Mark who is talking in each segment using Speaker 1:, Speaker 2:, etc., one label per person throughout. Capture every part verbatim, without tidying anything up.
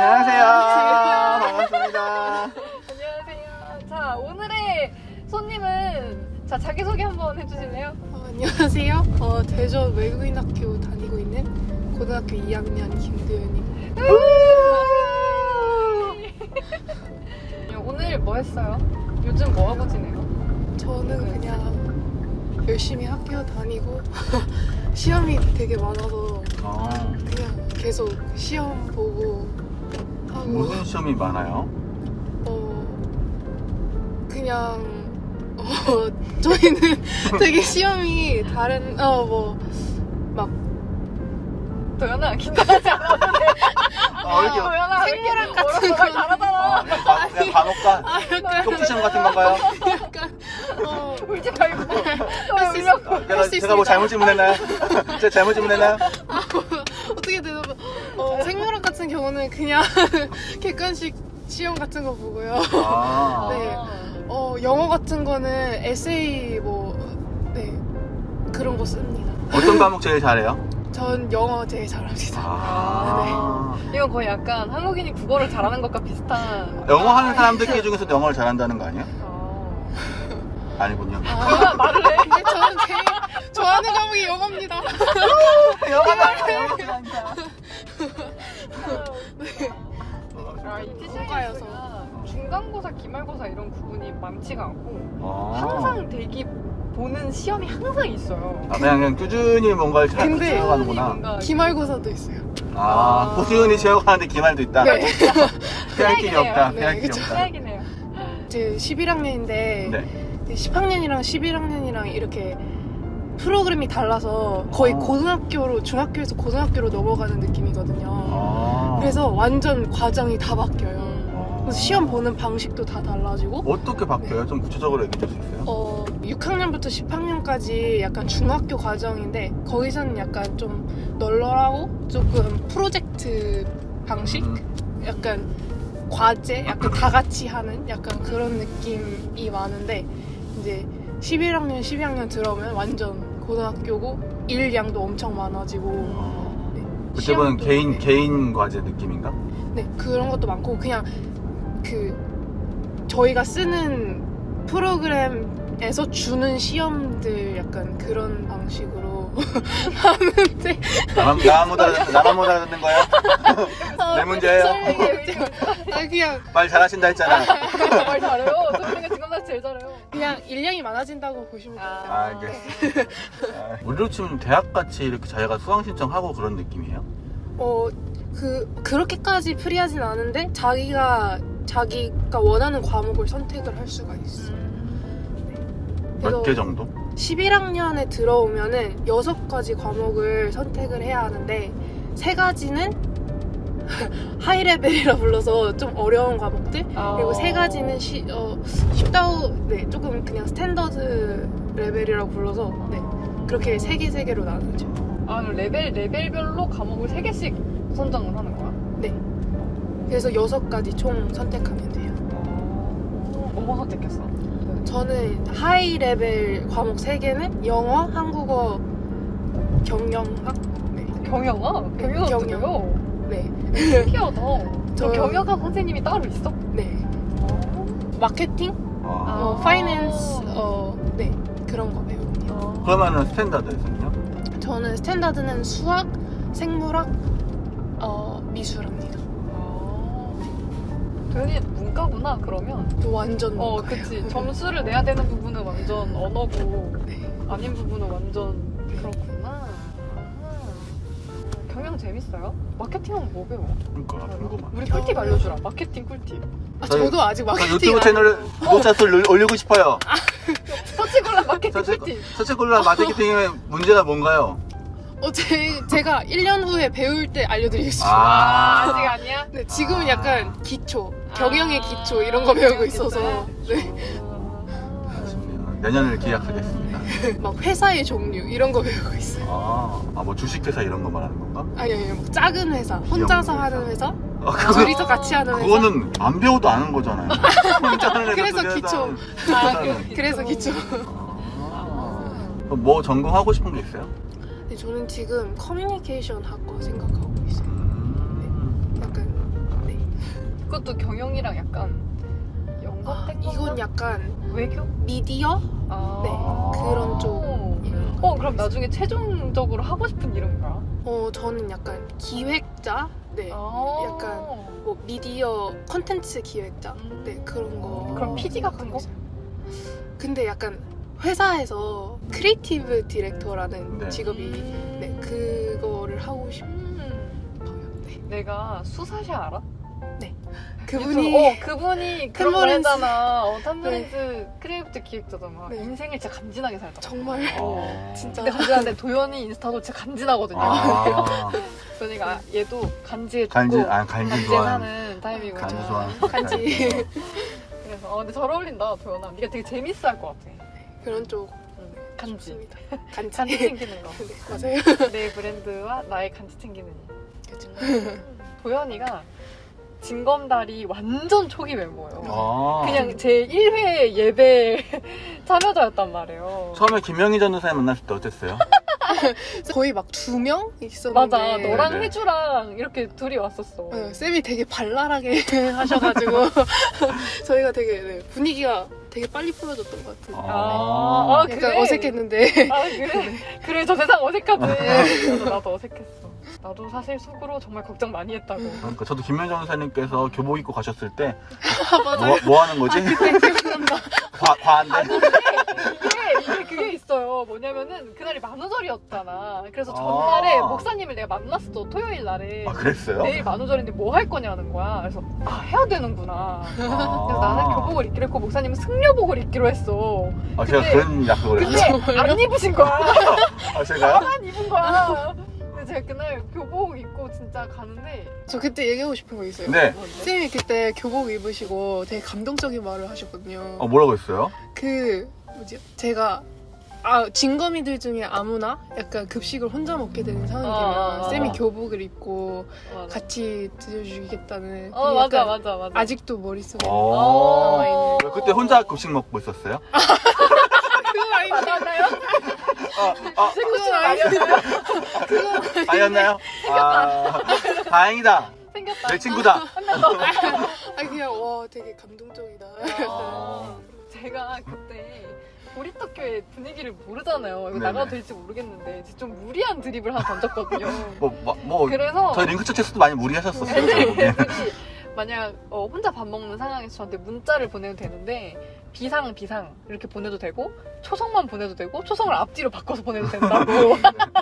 Speaker 1: 안녕하세요. 반갑습니다.
Speaker 2: 안녕하세요. 자, 오늘의 손님은 자 자기소개 한번 해주실래요?
Speaker 3: 어, 안녕하세요. 어, 대전 외국인학교 다니고 있는 고등학교 이 학년 김도현입니다.
Speaker 2: 오늘 뭐 했어요? 요즘 뭐 하고 지내요?
Speaker 3: 저는 그냥 열심히 학교 다니고 시험이 되게 많아서
Speaker 1: 어,
Speaker 3: 그냥 계속 시험 보고 하고
Speaker 1: 무슨 시험이 많아요?
Speaker 3: 어 그냥 어 저희는 되게 시험이 다른 어뭐막
Speaker 2: 도연아 긴장하지 않아.
Speaker 1: 어, 이렇게
Speaker 2: 도연아
Speaker 3: 생물학 같은
Speaker 2: 말
Speaker 3: 거.
Speaker 2: 잘하잖아.
Speaker 1: 어, 그냥, 간- 그냥 간혹가
Speaker 3: 아 약간
Speaker 1: 쪽지 시험 같은 건가요?
Speaker 3: 약간 어
Speaker 2: 울지 말고.
Speaker 3: 할 수
Speaker 2: 울려.
Speaker 3: 있어.
Speaker 1: 제가,
Speaker 3: 할 수
Speaker 1: 제가 뭐
Speaker 3: 있습니다.
Speaker 1: 잘못 질문했나요? 제가 잘못 질문했나요?
Speaker 3: 어떻게 되나 봐. 어, 생물학 같은 경우는 그냥 객관식 시험 같은 거 보고요.
Speaker 1: 아,
Speaker 3: 네. 어, 영어 같은 거는 에세이 뭐, 네. 그런 거 씁니다.
Speaker 1: 어떤 과목 제일 잘해요?
Speaker 3: 전 영어 제일 잘합니다.
Speaker 1: 아,
Speaker 2: 이건 거의 약간 한국인이 국어를 잘하는 것과 비슷한.
Speaker 1: 영어 하는 사람들끼리 중에서 영어를 잘한다는 거 아니에요?
Speaker 2: 어.
Speaker 1: 아니군요.
Speaker 2: 도연아 말을 해.
Speaker 3: 근데 저는 제일 좋아하는 과목이 영어입니다.
Speaker 2: 아, 이
Speaker 3: 국가여서.
Speaker 2: 티씨아이에스가 중간고사, 기말고사 이런 구분이 많지가 않고
Speaker 1: 어.
Speaker 2: 항상 대기 보는 시험이 항상 있어요.
Speaker 1: 아, 그냥, 그냥 꾸준히 뭔가를 잘
Speaker 3: 근데
Speaker 1: 채워가는구나.
Speaker 2: 뭔가
Speaker 3: 기말고사도 있어요.
Speaker 1: 아, 꾸준히 채워가는데 기말도 있다?
Speaker 3: 네.
Speaker 1: 피할 길이 없다.
Speaker 3: 네,
Speaker 1: 피할 길이
Speaker 3: 그쵸.
Speaker 1: 없다.
Speaker 2: 해야긴 해요.
Speaker 3: 제 십일 학년인데
Speaker 1: 네.
Speaker 3: 십 학년이랑 십일 학년이랑 이렇게 프로그램이 달라서 거의
Speaker 1: 어.
Speaker 3: 고등학교로 중학교에서 고등학교로 넘어가는 느낌이거든요.
Speaker 1: 아.
Speaker 3: 그래서 완전 과정이 다 바뀌어요.
Speaker 1: 어.
Speaker 3: 그래서 시험 보는 방식도 다 달라지고
Speaker 1: 어떻게 바뀌어요? 좀 구체적으로 얘기해 줄 수 있어요?
Speaker 3: 어, 육 학년부터 십 학년까지 약간 중학교 과정인데 거기서는 약간 좀 널널하고 조금 프로젝트 방식?
Speaker 1: 음.
Speaker 3: 약간 과제? 약간 다 같이 하는 약간 그런 느낌이 많은데 이제 십일 학년, 십이 학년 들어오면 완전 고등학교고 일 양도 엄청 많아지고
Speaker 1: 어.
Speaker 3: 네,
Speaker 1: 그때는
Speaker 3: 시험도,
Speaker 1: 개인
Speaker 3: 네.
Speaker 1: 개인 과제 느낌인가?
Speaker 3: 네, 그런 것도 많고 그냥 그 저희가 쓰는 프로그램에서 주는 시험들 약간 그런 방식으로 하는데
Speaker 1: 나만 나만 못 알아듣는 나만 못 알아듣는 거예요? 내 문제예요?
Speaker 3: 아 그냥
Speaker 1: 말 잘하신다 했잖아.
Speaker 2: 말 잘해요. 도연이가 지금 나 제일 잘해요.
Speaker 3: 그냥 일량이 많아진다고 보시면 돼요.
Speaker 1: 아, 알겠어. 아, 우리로 치면 대학 같이 이렇게 자기가 수강 신청하고 그런 느낌이에요?
Speaker 3: 어, 그 그렇게까지 프리하진 않은데 자기가 자기가 원하는 과목을 선택을 할 수가 있어.
Speaker 1: 몇 개 정도?
Speaker 3: 십일 학년에 들어오면은 여섯 가지 과목을 선택을 해야 하는데 세 가지는 하이 레벨이라 불러서 좀 어려운 과목들 그리고 세 가지는 시, 어, 쉽다고 네 조금 그냥 스탠더드 레벨이라고 불러서 네 그렇게 세 개 세 개로 나누죠.
Speaker 2: 아, 그럼 레벨 레벨별로 과목을 세 개씩 선정을 하는 거야?
Speaker 3: 네. 그래서 여섯 가지 총 선택하면 돼요.
Speaker 2: 뭐 선택했어?
Speaker 3: 저는 하이 레벨 과목 세 개는 영어, 한국어, 경영학. 네.
Speaker 2: 경영아?
Speaker 3: 경영.
Speaker 2: 경영학도요?
Speaker 3: 네.
Speaker 2: 신기하다. 저
Speaker 3: 저-
Speaker 2: 경영학 선생님이 따로 있어?
Speaker 3: 네. 마케팅,
Speaker 1: 아.
Speaker 3: 어, 파이낸스, 어, 네 그런 거 배우거든요.
Speaker 1: 그러면은 스탠다드에서는요?
Speaker 3: 저는 스탠다드는 수학, 생물학, 어, 미술합니다.
Speaker 2: 도연이 문과구나 그러면.
Speaker 3: 완전
Speaker 2: 어,
Speaker 3: 문과예요.
Speaker 2: 그치. 점수를 내야 되는 부분은 완전 언어고
Speaker 3: 네.
Speaker 2: 아닌 부분은 완전 그렇구나. 아하. 경영 재밌어요? 마케팅은 뭐 배워?
Speaker 1: 그러니까 궁금하네.
Speaker 2: 우리 꿀팁 알려주라. 마케팅 꿀팁.
Speaker 3: 아,
Speaker 1: 저희-
Speaker 3: 저도 아직
Speaker 1: 저
Speaker 3: 마케팅
Speaker 1: 유튜브
Speaker 3: 안
Speaker 1: 채널 구독자 수를 올리고 싶어요.
Speaker 2: 서치골라 마케팅
Speaker 1: 서치
Speaker 2: 꿀팁.
Speaker 1: 서치콜라 마케팅의 문제가 뭔가요?
Speaker 3: 어, 제, 제가 일 년 후에 배울 때 알려드리겠습니다.
Speaker 2: 아, 아직 아니야?
Speaker 3: 네, 지금은
Speaker 1: 아.
Speaker 3: 약간 기초, 경영의 기초 이런 거 배우고 있어서 네.
Speaker 1: 아쉽네요. 내년을 기약하겠습니다.
Speaker 3: 막 회사의 종류 이런 거 배우고 있어요.
Speaker 1: 아, 아 뭐 주식회사 이런 거 말하는 건가?
Speaker 3: 아니 아니 막 작은 회사, 혼자서
Speaker 1: 기업
Speaker 3: 하는 회사,
Speaker 1: 아, 그거,
Speaker 3: 둘이서 같이 하는 회사.
Speaker 1: 그거는 안 배워도 아는 거잖아요. 혼자 하는 애가
Speaker 3: 그래서
Speaker 1: 둘이
Speaker 3: 기초.
Speaker 1: 하는
Speaker 3: 아,
Speaker 1: 회사는.
Speaker 3: 그, 그래서 기초.
Speaker 1: 아. 그럼 뭐 전공하고 싶은 게 있어요?
Speaker 3: 네, 저는 지금 커뮤니케이션 학과 생각하고 있어요.
Speaker 1: 음.
Speaker 3: 약간 네.
Speaker 2: 그것도 경영이랑 약간
Speaker 3: 아,
Speaker 2: 연관된 건가?
Speaker 3: 이건 약간
Speaker 2: 외교?
Speaker 3: 미디어?
Speaker 2: 아.
Speaker 3: 네, 그런 쪽 이런
Speaker 2: 어 그럼 나중에 최종적으로 하고 싶은 이름 뭐야?
Speaker 3: 어 저는 약간 기획자? 네.
Speaker 2: 아.
Speaker 3: 약간 뭐 미디어 컨텐츠 기획자?
Speaker 2: 음.
Speaker 3: 네, 그런 거.
Speaker 2: 그럼 피디 같은
Speaker 3: 하고
Speaker 2: 거?
Speaker 3: 있어요. 근데 약간 회사에서 크리에이티브 디렉터라는
Speaker 1: 네.
Speaker 3: 직업이
Speaker 2: 음.
Speaker 3: 네, 그거를 하고 싶어요.
Speaker 2: 음.
Speaker 3: 네.
Speaker 2: 내가 수사샤 알아?
Speaker 3: 그분이
Speaker 2: 어 그분이 그런 걸
Speaker 3: 탐머린스.
Speaker 2: 했잖아. 어, 탐머린스 크리에이티브 기획자잖아.
Speaker 3: 네.
Speaker 2: 인생을 진짜 간지나게 살잖아.
Speaker 3: 정말
Speaker 2: 어.
Speaker 3: 진짜
Speaker 2: 근데 간지나는데 도연이 인스타도 진짜 간지나거든요.
Speaker 1: 아,
Speaker 2: 그러니까 얘도 간지해주고
Speaker 1: 간지, 아, 간지
Speaker 2: 간지에
Speaker 1: 좋아하는.
Speaker 2: 사는 타입이고
Speaker 1: 간지
Speaker 3: 맞아.
Speaker 1: 좋아하는.
Speaker 3: 간지
Speaker 2: 그래서 어, 근데 잘 어울린다 도연아. 네가 되게 재밌어 할 것 같아.
Speaker 3: 그런 쪽
Speaker 2: 응. 간지.
Speaker 3: 좋습니다. 간지.
Speaker 2: 간지 챙기는 거.
Speaker 3: 네, 맞아요.
Speaker 2: 내 브랜드와 나의 간지 챙기는 일.
Speaker 3: 그렇죠.
Speaker 2: 도연이가 진검다리 완전 초기 멤버예요.
Speaker 1: 아.
Speaker 2: 그냥 제 일 회 예배 참여자였단 말이에요.
Speaker 1: 처음에 김영희 전도사님 만났을 때 어땠어요?
Speaker 3: 거의 막 두 명 있었는데
Speaker 2: 맞아. 너랑
Speaker 1: 네네.
Speaker 2: 혜주랑 이렇게 둘이 왔었어.
Speaker 3: 네, 쌤이 되게 발랄하게 하셔가지고 저희가 되게 네, 분위기가 되게 빨리 풀어졌던 것 같아요.
Speaker 2: 아, 아,
Speaker 3: 약간
Speaker 2: 그래?
Speaker 3: 어색했는데
Speaker 2: 아 그래? 그래 저 세상 어색하지. 그래서 나도 어색했어. 나도 사실 속으로 정말 걱정 많이 했다고.
Speaker 1: 그러니까 저도 김영희 전도사님께서 교복 입고 가셨을 때
Speaker 3: 아, 맞아요.
Speaker 1: 뭐, 뭐 하는 거지?
Speaker 3: 기억난다.
Speaker 1: 과, 과한데?
Speaker 2: 아니 근데 이게, 이게 그게 있어요. 뭐냐면은 그날이 만우절이었잖아. 그래서 전날에
Speaker 1: 아.
Speaker 2: 목사님을 내가 만났어. 토요일 날에.
Speaker 1: 아, 그랬어요?
Speaker 2: 내일 만우절인데 뭐 할 거냐는 거야. 그래서 아 해야 되는구나.
Speaker 1: 아.
Speaker 2: 그래서 나는 교복을 입기로 했고 목사님은 승려복을 입기로 했어.
Speaker 1: 아, 제가
Speaker 2: 근데-
Speaker 1: 그런 약속을
Speaker 2: 근데
Speaker 1: 했어요.
Speaker 2: 안 입으신 거야.
Speaker 1: 아, 제가요?
Speaker 2: 안 입은 거야. 근데 제가 그날 교복 입고 진짜 가는데
Speaker 3: 저 그때 얘기하고 싶은 거 있어요.
Speaker 1: 네.
Speaker 2: 뭔데?
Speaker 3: 쌤이 그때 교복 입으시고 되게 감동적인 말을 하셨거든요.
Speaker 1: 어, 뭐라고 했어요?
Speaker 3: 그 뭐지? 제가 아 진검이들 중에 아무나 약간 급식을 혼자 먹게 되는 상황이면
Speaker 2: 아, 아,
Speaker 3: 쌤이
Speaker 1: 아.
Speaker 3: 교복을 입고
Speaker 2: 맞아.
Speaker 3: 같이 드셔주겠다는
Speaker 2: 어
Speaker 3: 그게
Speaker 2: 맞아
Speaker 3: 약간
Speaker 2: 맞아 맞아.
Speaker 3: 아직도 머릿속에
Speaker 1: 어.
Speaker 2: 어.
Speaker 3: 남아있는
Speaker 1: 그때 혼자 급식 먹고 있었어요?
Speaker 3: 그거 아니고
Speaker 2: 맞았나요?
Speaker 1: 아, 아,
Speaker 2: 제 코치는 아니었나요?
Speaker 1: 아니었나요? 아, 다행이다.
Speaker 2: 생겼다.
Speaker 1: 내 친구다.
Speaker 3: 아니 그냥 와 되게 감동적이다.
Speaker 1: 아.
Speaker 2: 제가 그때 보리떡교회 분위기를 모르잖아요. 이거
Speaker 1: 네네.
Speaker 2: 나가도 될지 모르겠는데 좀 무리한 드립을 하나 던졌거든요.
Speaker 1: 뭐, 뭐, 뭐
Speaker 2: 그래서
Speaker 1: 저희 링크처에서도 많이 무리하셨었어요. 결국에.
Speaker 2: 그치. 만약 어, 혼자 밥 먹는 상황에서 저한테 문자를 보내도 되는데 비상 비상 이렇게 보내도 되고 초성만 보내도 되고 초성을 앞뒤로 바꿔서 보내도 된다고.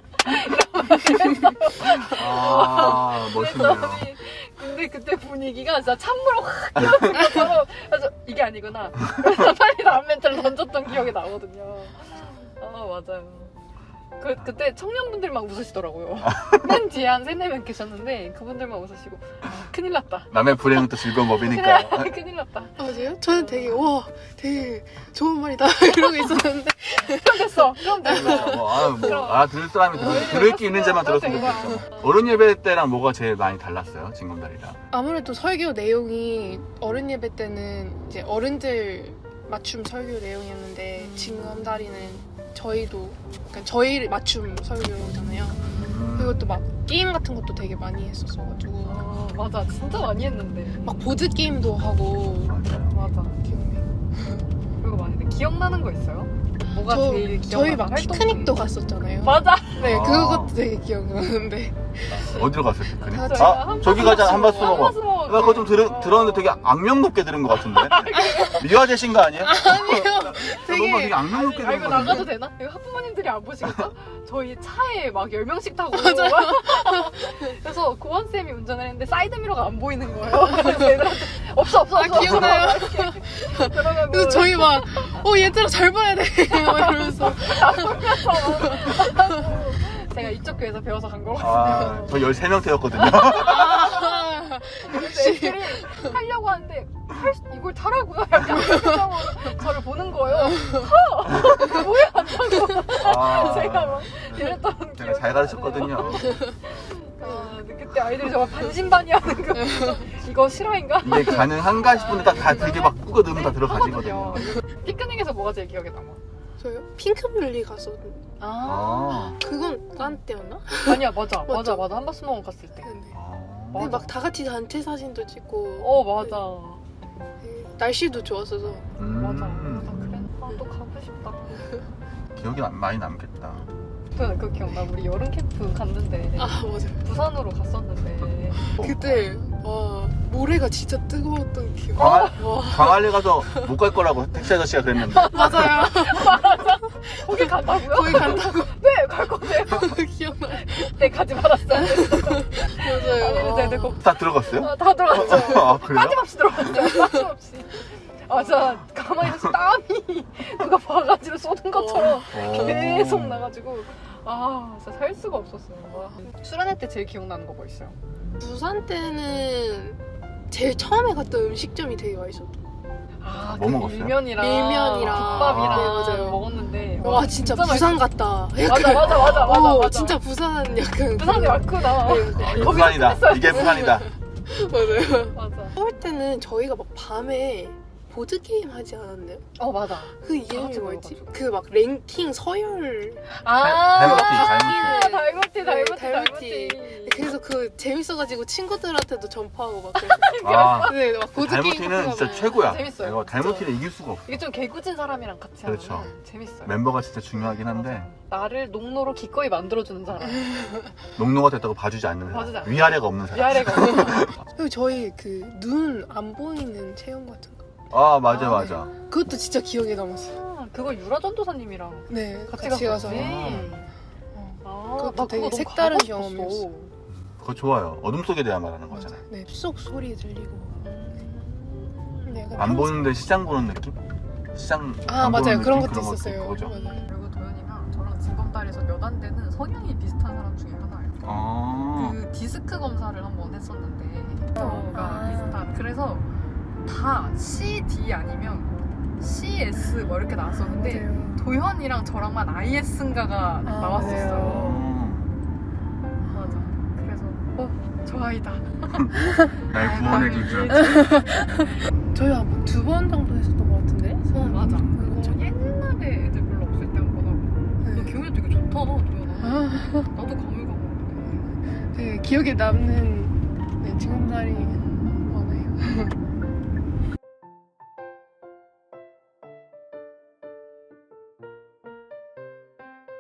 Speaker 1: 아, 멋있네요.
Speaker 2: 그랬더니 근데 그때 분위기가 진짜 찬물을 확 끼얹은 것처럼 그래서 이게 아니구나. 그래서 빨리 다음 멘트를 던졌던 기억이 나거든요. 아 맞아요. 그, 그때 청년분들만 웃으시더라고요. 맨 뒤에 한 세네 명 계셨는데 그분들만 웃으시고 아, 큰일 났다.
Speaker 1: 남의 불행은 또 즐거운 법이니까.
Speaker 2: 큰일, 큰일 났다.
Speaker 3: 맞아요? 저는 되게 와 되게 좋은 말이다 이러고 있었는데
Speaker 2: 그럼 됐어. 그럼 됐어.
Speaker 1: 그렇죠. 뭐, 아, 뭐, 아, 들을 사람이 들,
Speaker 2: 어,
Speaker 1: 들을 게 있는 자만
Speaker 2: 그럼
Speaker 1: 들었으면
Speaker 2: 된
Speaker 1: 좋겠죠. 어른 예배 때랑 뭐가 제일 많이 달랐어요? 진검다리랑.
Speaker 3: 아무래도 설교 내용이 어른 예배 때는 이제 어른들 맞춤 설교 내용이었는데
Speaker 2: 음.
Speaker 3: 진검다리는 저희도 그러니까 저희 맞춤 설교잖아요. 그리고 또 막 게임 같은 것도 되게 많이 했었어가지고
Speaker 2: 어, 맞아. 진짜 많이 했는데.
Speaker 3: 막 보드 게임도 하고
Speaker 1: 맞아요.
Speaker 2: 맞아.
Speaker 3: 기억나요.
Speaker 2: 그거 많이 했는데 기억나는 거 있어요? 뭐가
Speaker 3: 저,
Speaker 2: 제일 기억나는
Speaker 3: 저희 막
Speaker 2: 활동이?
Speaker 3: 피크닉도 갔었잖아요.
Speaker 2: 맞아.
Speaker 3: 네,
Speaker 1: 아.
Speaker 3: 그것도 되게 기억나는데
Speaker 1: 어디로 갔어요, 피크닉?
Speaker 3: 다
Speaker 2: 저희가
Speaker 1: 아,
Speaker 2: 한
Speaker 1: 저기
Speaker 2: 번
Speaker 1: 가자, 한바스 먹어.
Speaker 2: 한바스 먹어.
Speaker 1: 나 그거 좀 들, 들었는데 되게 악명 높게 들은 것 같은데? 미화되신 거 아니에요?
Speaker 3: 아니요.
Speaker 1: 뭔가 되게 악명 높게
Speaker 2: 아
Speaker 1: 들은
Speaker 2: 이거
Speaker 1: 것
Speaker 2: 나가도
Speaker 1: 같은데?
Speaker 2: 되나? 이거 학부모님들이 안 보시겠죠? 저희 차에 막 열 명씩 타고 그래서 고원쌤이 운전을 했는데 사이드미러가 안 보이는 거예요. 그래서 애들한테 없어 없어
Speaker 3: 아,
Speaker 2: 없어
Speaker 3: 기억나요?
Speaker 2: 없어. 그러면
Speaker 3: 그래서 저희 막 어 얘들아 잘 봐야 돼 막 이러면서
Speaker 2: 제가 이쪽 교회에서 배워서 간 거거든요.
Speaker 1: 아, 저 열세 명 태웠거든요.
Speaker 3: 아,
Speaker 2: 근데
Speaker 3: 역시
Speaker 2: 애들이 하려고 하는데 할 수- 이걸 타라고요? 약간 이런 표정으로 저를 보는 거예요. 타! 뭐야? 한다고
Speaker 1: 아,
Speaker 2: 제가 막 이랬던
Speaker 1: 제가
Speaker 2: 기억이
Speaker 1: 잘 가르쳤거든요.
Speaker 2: 아, 근데 그때 아이들이 정말 반신반의하는 거 이거 실화인가?
Speaker 1: 이게 가능한가 싶은데 딱 다 되게 막 꾸겨 넣으면 다 들어가지거든요.
Speaker 2: 피크닉에서 뭐가 제일 기억에 남아?
Speaker 3: 저요? 핑크뮬리 가서
Speaker 2: 아,
Speaker 1: 아,
Speaker 3: 그건 딴 때였나?
Speaker 2: 아니야 맞아 맞아
Speaker 3: 맞죠?
Speaker 2: 맞아 한바스 먹은 갔을 때
Speaker 3: 네.
Speaker 1: 아.
Speaker 3: 근데 막 다 같이 단체 사진도 찍고
Speaker 2: 어 맞아.
Speaker 3: 네, 날씨도 좋았어서
Speaker 1: 음.
Speaker 2: 맞아. 맞아. 그래. 아, 또 가고 싶다.
Speaker 1: 기억이 남- 많이 남겠다.
Speaker 2: 저는 그 기억나. 우리 여름 캠프 갔는데
Speaker 3: 아 맞아요.
Speaker 2: 부산으로 갔었는데
Speaker 3: 그때 와 모래가 진짜 뜨거웠던 기억.
Speaker 1: 광안,
Speaker 3: 와
Speaker 1: 광안리 가서 못 갈 거라고 택시 아저씨가 그랬는데.
Speaker 3: 맞아요.
Speaker 2: 거기 간다고요?
Speaker 3: 거기 간다고
Speaker 2: 네, 갈 건데요.
Speaker 3: 기억나요.
Speaker 2: 네, 가지 말았어요.
Speaker 3: 맞아요.
Speaker 2: 아니, 네, 네,
Speaker 3: 와.
Speaker 2: 거,
Speaker 1: 다 들어갔어요?
Speaker 2: 아, 다 들어갔죠.
Speaker 1: 아, 그래요?
Speaker 2: 빠짐없이 들어갔죠. 빠짐없이. 아, 진짜 가만히 있어서 땀이 누가 바가지로 쏟은 것처럼
Speaker 1: 어.
Speaker 2: 계속 나가지고 아, 진짜 살 수가 없었어요. 와. 수련회 때 제일 기억나는 거 뭐 있어요?
Speaker 3: 부산 때는 제일 처음에 갔던 음식점이 되게 맛있었던.
Speaker 2: 아,
Speaker 1: 뭐
Speaker 2: 그
Speaker 1: 먹었어요?
Speaker 2: 밀면이랑
Speaker 3: 밀면이랑.
Speaker 2: 국밥이랑
Speaker 1: 네,
Speaker 3: 맞아요.
Speaker 2: 먹었는데
Speaker 3: 와 진짜, 부산 같다.
Speaker 2: 맞아, 맞아, 맞아, 맞아,
Speaker 3: 어,
Speaker 2: 맞아.
Speaker 3: 진짜 부산 약간
Speaker 2: 부산이 왔구나.
Speaker 3: 네,
Speaker 1: 아, 이게
Speaker 2: 거기서
Speaker 1: 부산이다.
Speaker 2: 끝냈어요.
Speaker 1: 이게 부산이다.
Speaker 3: 맞아요.
Speaker 2: 맞아.
Speaker 3: 서울 때는 저희가 막 밤에 보드 게임 하지 않았나요?
Speaker 2: 어, 맞아.
Speaker 3: 그 이름이
Speaker 2: 같이
Speaker 3: 뭐였지?
Speaker 2: 모여가지고.
Speaker 3: 그 막 랭킹 서열.
Speaker 2: 아,
Speaker 1: 달무티,
Speaker 2: 아,
Speaker 1: 달무티.
Speaker 2: 달무티,
Speaker 3: 네,
Speaker 2: 달무티,
Speaker 3: 달무티.
Speaker 2: 달무티.
Speaker 3: 그래서 그 재밌어가지고 친구들한테도 전파하고 막 그래서.
Speaker 1: 아,
Speaker 3: 네, 막 보드 게임.
Speaker 1: 달무티는 진짜
Speaker 3: 하면.
Speaker 1: 최고야.
Speaker 2: 재밌어요.
Speaker 1: 이거 달무티는 이길 수가 없어.
Speaker 2: 이게 좀 개구진 사람이랑 같이
Speaker 1: 그렇죠.
Speaker 2: 하면 재밌어요.
Speaker 1: 멤버가 진짜 중요하긴 한데
Speaker 2: 나를 농로로 기꺼이 만들어주는 사람.
Speaker 1: 농노가 됐다고 봐주지 않는
Speaker 2: 봐주지
Speaker 1: 사람.
Speaker 2: 않는
Speaker 1: 위아래가 없는 사람.
Speaker 2: 위아래가 없는
Speaker 3: 그리고 저희 그 눈 안 보이는 체험 같은 거.
Speaker 1: 아 맞아
Speaker 2: 아,
Speaker 1: 맞아.
Speaker 3: 그것도 진짜 기억에 남았어요.
Speaker 2: 아, 그거 유라 전도사님이랑
Speaker 3: 네,
Speaker 2: 같이,
Speaker 3: 같이
Speaker 2: 갔어.
Speaker 3: 가서.
Speaker 2: 아,
Speaker 3: 그것도
Speaker 2: 나
Speaker 3: 되게
Speaker 2: 그거 너무
Speaker 3: 색다른
Speaker 2: 가고 싶었어.
Speaker 3: 경험이었어.
Speaker 1: 그거 좋아요. 어둠 속에 대한 말하는
Speaker 3: 맞아.
Speaker 1: 거잖아요.
Speaker 3: 네, 숲속 소리 들리고. 네, 약간
Speaker 1: 안
Speaker 3: 평소-
Speaker 1: 보는데 시장 보는 느낌? 시장
Speaker 3: 아
Speaker 1: 안
Speaker 3: 맞아요.
Speaker 1: 보는
Speaker 3: 그런
Speaker 1: 느낌?
Speaker 3: 것도
Speaker 1: 그런
Speaker 3: 있었어요.
Speaker 1: 그거죠.
Speaker 3: 맞아요.
Speaker 2: 그리고 도현이랑 저랑 진검다리에서 몇 안 되는 성향이 비슷한 사람 중에 하나예요.
Speaker 1: 아,
Speaker 2: 그 디스크 검사를 한번 했었는데 뭐가
Speaker 3: 아.
Speaker 2: 비슷한. 그래서 다 씨 디 아니면 씨 에스 뭐 이렇게 나왔었는데
Speaker 3: 맞아요.
Speaker 2: 도현이랑 저랑만 아이 에스인가가 나왔었어요.
Speaker 1: 음,
Speaker 2: 맞아. 그래서 어, 저 아이다.
Speaker 1: 날 구원해줄 줄.
Speaker 3: 저희 한번 두 번 정도 했었던 것 같은데.
Speaker 2: 어 맞아.
Speaker 3: 그거
Speaker 2: 그거
Speaker 3: 좀-
Speaker 2: 옛날에 애들 별로 없을 때 한 번 하고. 너
Speaker 3: 네.
Speaker 2: 기억이 되게 좋다, 도현아.
Speaker 3: 아,
Speaker 2: 나도 가물가물한데.
Speaker 3: 되게 기억에 남는 네, 징검다리 많아요.